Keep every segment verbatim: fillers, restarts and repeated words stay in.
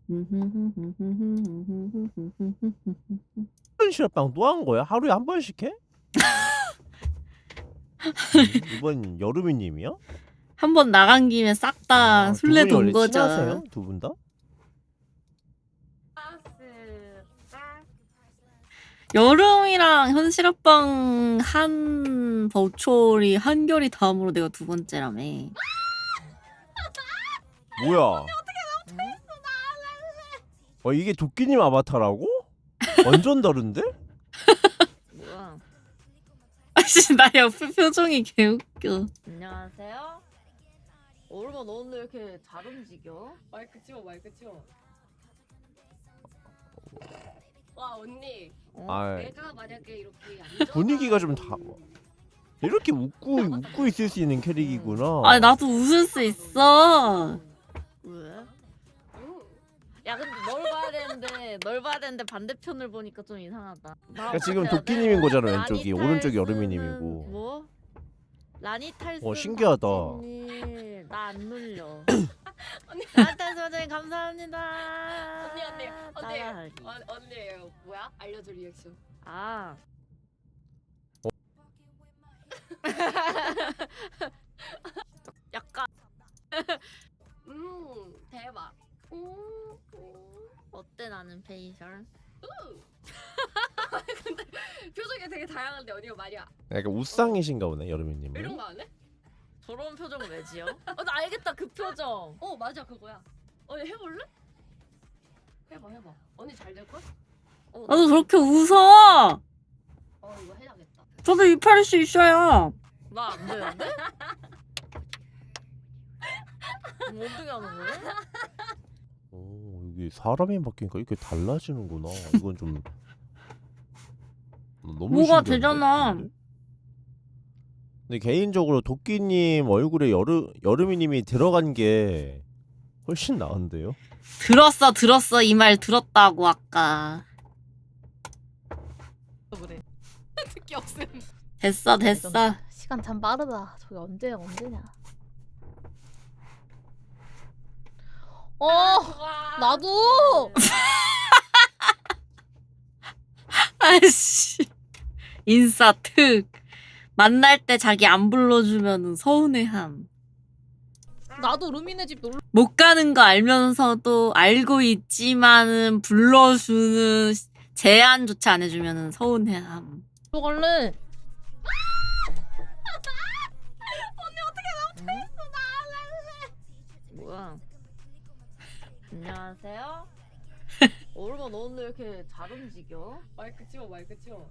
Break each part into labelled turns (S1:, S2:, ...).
S1: 시럽빵 또 한 거야? 하루에 한 번씩 해? 이번 여름이님이요?
S2: 한 번 나간 김에 싹 다
S1: 아,
S2: 술래
S1: 두 분이 원래
S2: 돈 거죠.
S1: 친하세요? 두 분 다?
S2: 여름이랑 현실업방 한 버추얼이 한결이 다음으로 내가 두 번째라며.
S1: 뭐야? 어 이게 도끼님 아바타라고? 완전 다른데?
S3: 뭐야?
S2: 아씨 나 옆에 표정이 개웃겨.
S3: 안녕하세요. 오르마 너 오늘 이렇게 잘 움직여?
S4: 마이크 치워 마이크 치워. 와 언니
S3: 어?
S1: 아
S4: 내가 만약에 이렇게 안전한...
S1: 분위기가 좀 다 이렇게 웃고 웃고 있을 수 있는 캐릭이구나.
S2: 아니 나도 웃을 수 있어.
S3: 왜?
S4: 응.
S3: 야 근데 널 봐야 되는데 널 봐야 되는데 반대편을 보니까 좀 이상하다.
S1: 그러니까 지금 도끼님인 거잖아
S3: 라니
S1: 왼쪽이 오른쪽이
S3: 탈스는
S1: 여름이님이고.
S3: 뭐? 라니 탈스.
S1: 어, 신기하다.
S3: 나안 눌려.
S4: 언니
S3: 라니 탈스 원장님 감사합니다.
S4: 언니 언니 언니
S3: 따라하기.
S4: 언, 언니 뭐야? 알려줘 리액션.
S3: 아. 약간
S4: 음 대박. 음, 음.
S3: 어때 나는 페이셜?
S4: 근데 표정이 되게 다양한데 언니가 말이야.
S1: 약간 웃상이신가 보네 여름이님은.
S4: 이런 거 안 해?
S3: 저런 표정을 왜 지어? 어, 나 알겠다 그 표정.
S4: 어 맞아 그거야. 언니 해볼래? 해봐 해봐. 언니 잘 될 걸?
S3: 어,
S2: 나도 저렇게 웃어.
S4: 어 이거 해야겠다.
S2: 저도 이팔일 수 있어요.
S3: 나안 되는데? 뭐 어떻게 하는 거야?
S1: 오 이게 사람이 바뀌니까 이렇게 달라지는구나. 이건 좀 너무
S2: 뭐가
S1: 신기한데?
S2: 되잖아.
S1: 근데? 근데 개인적으로 도끼님 얼굴에 여름 여름이님이 들어간 게 훨씬 나은데요?
S2: 들었어 들었어 이 말 들었다고 아까.
S4: 그래. 특기 없음.
S2: 됐어 됐어.
S5: 시간 참 빠르다. 저게 언제야 언제냐. 어
S4: 와.
S5: 나도.
S2: 아이씨 인싸 특. 만날 때 자기 안 불러주면은 서운해함.
S5: 나도 루미네 집 놀러.
S2: 못 가는 거 알면서도 알고 있지만은 불러주는 제안조차 안 해주면은 서운해함.
S5: 갈래.
S3: 뭐야? 안녕하세요. 오르마 너 오늘 이렇게 잘 움직여?
S4: 마이크 치워 마이크 치워.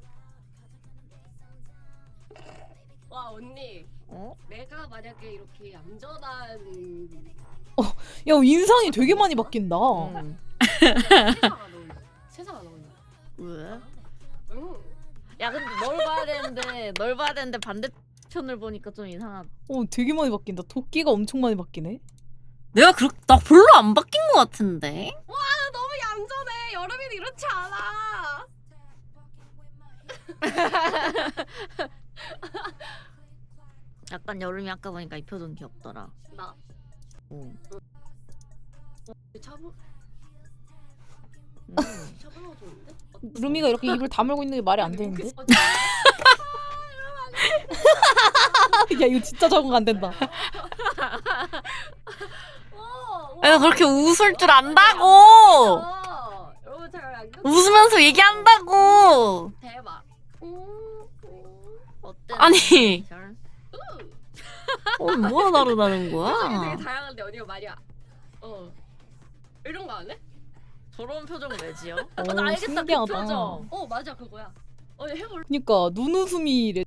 S4: 와 언니
S3: 어?
S4: 내가 만약에 이렇게 얌전한
S5: 야 인상이 되게 많이 바뀐다.
S3: 응.
S4: 세상 안 어울려. 세상 안 어울려.
S3: 왜?
S4: 응.
S3: 야 근데 널 봐야 되는데 널 봐야 되는데 반대편을 보니까 좀 이상하다.
S5: 어 되게 많이 바뀐다. 도끼가 엄청 많이 바뀌네.
S2: 내가 그렇 나 별로 안 바뀐 것 같은데.
S4: 와 너무 얌전해. 여름이는 이렇지 않아.
S3: 약간 여름이 아까 보니까 이 표정 귀엽더라.
S4: 나
S3: 오.
S4: 차분
S3: 음.
S4: 차분하고 좋은데?
S5: 루미가 이렇게 입을 다물고 있는 게 말이 안 되는데.
S4: 어,
S5: 야 이거 진짜 적응 안 된다.
S4: 어,
S2: 내가 그렇게 웃을 줄 안다고.
S4: 어, 여러분 잘 알고
S2: 웃으면서 얘기한다고.
S4: 대박. 음, 음.
S3: 어때?
S2: 아니.
S3: 페이셜?
S2: 어, 뭐가 다르다는
S4: 표정이 되게
S2: 거야?
S4: 다양한데 언니가 말이야. 어 이런 거 안 해?
S3: 저런 표정을 왜 지어?
S5: 어,
S3: 어, 나 알겠다 그
S5: 신기하다.
S3: 표정.
S4: 어 맞아 그거야. 언니 해볼래?
S5: 그니까 눈웃음이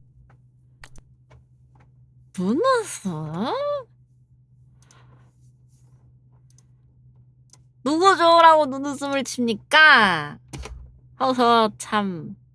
S2: 눈웃음? 누구 좋으라고 눈웃음을 칩니까? 어서 참.